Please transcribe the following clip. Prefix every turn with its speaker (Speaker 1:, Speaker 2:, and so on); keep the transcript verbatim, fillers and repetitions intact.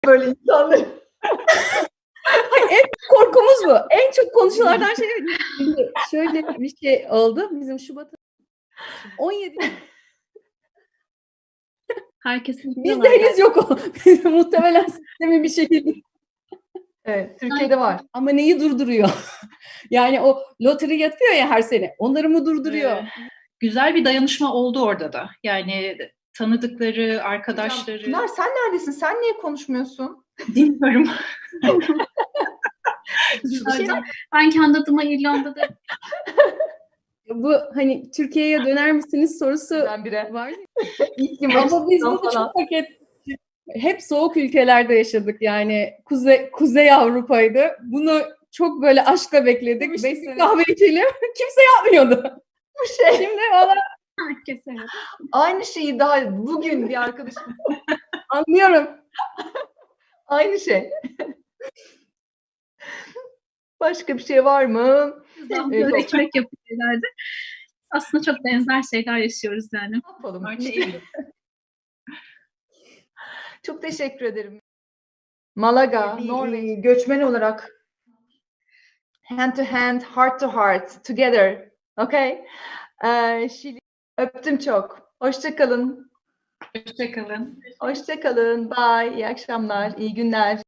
Speaker 1: böyle insanları.
Speaker 2: Hayır, en korkumuz bu. En çok konuşulardan şey şimdi şöyle bir şey oldu. Bizim Şubat on yedi
Speaker 3: Herkesin
Speaker 2: Bizde henüz yok o. Muhtemelen sistemin bir şekilde.
Speaker 1: Evet, Türkiye'de var.
Speaker 2: Ama neyi durduruyor? Yani o loteri yapıyor ya her sene. Onları mı durduruyor?
Speaker 3: Ee, güzel bir dayanışma oldu orada da. Yani tanıdıkları, arkadaşları.
Speaker 1: Pınar sen neredesin? Sen niye konuşmuyorsun?
Speaker 3: Dinliyorum.
Speaker 1: şey
Speaker 3: Ben kendi adıma İrlanda'da
Speaker 2: Bu hani Türkiye'ye döner misiniz sorusu
Speaker 1: birdenbire.
Speaker 2: var.
Speaker 1: İlk
Speaker 2: Ama biz bunu
Speaker 1: falan.
Speaker 2: çok hak ettik. Hep soğuk ülkelerde yaşadık yani. Kuzey, Kuzey Avrupa'ydı. Bunu çok böyle aşkla bekledik. Beş sene kahve içelim. Kimse yapmıyordu.
Speaker 1: Bu şey.
Speaker 2: Şimdi valla
Speaker 3: herkese.
Speaker 1: Aynı şeyi daha bugün bir arkadaşım.
Speaker 2: anlıyorum.
Speaker 1: Aynı şey. Başka bir şey var mı?
Speaker 3: Böyle
Speaker 1: Evet,
Speaker 3: ekmek yapıyorlardı. Aslında çok benzer şeyler yaşıyoruz yani.
Speaker 1: Ne yapalım?
Speaker 3: Artık-
Speaker 1: Çok teşekkür ederim. Malaga,
Speaker 2: Bir,
Speaker 1: Norveç.
Speaker 2: e,
Speaker 1: Göçmen olarak hand to hand, heart to heart, together. Okay? Ee, Şili. Öptüm çok. Hoşça kalın.
Speaker 3: Hoşçakalın.
Speaker 1: Hoşça kalın. Bye. İyi akşamlar. İyi günler.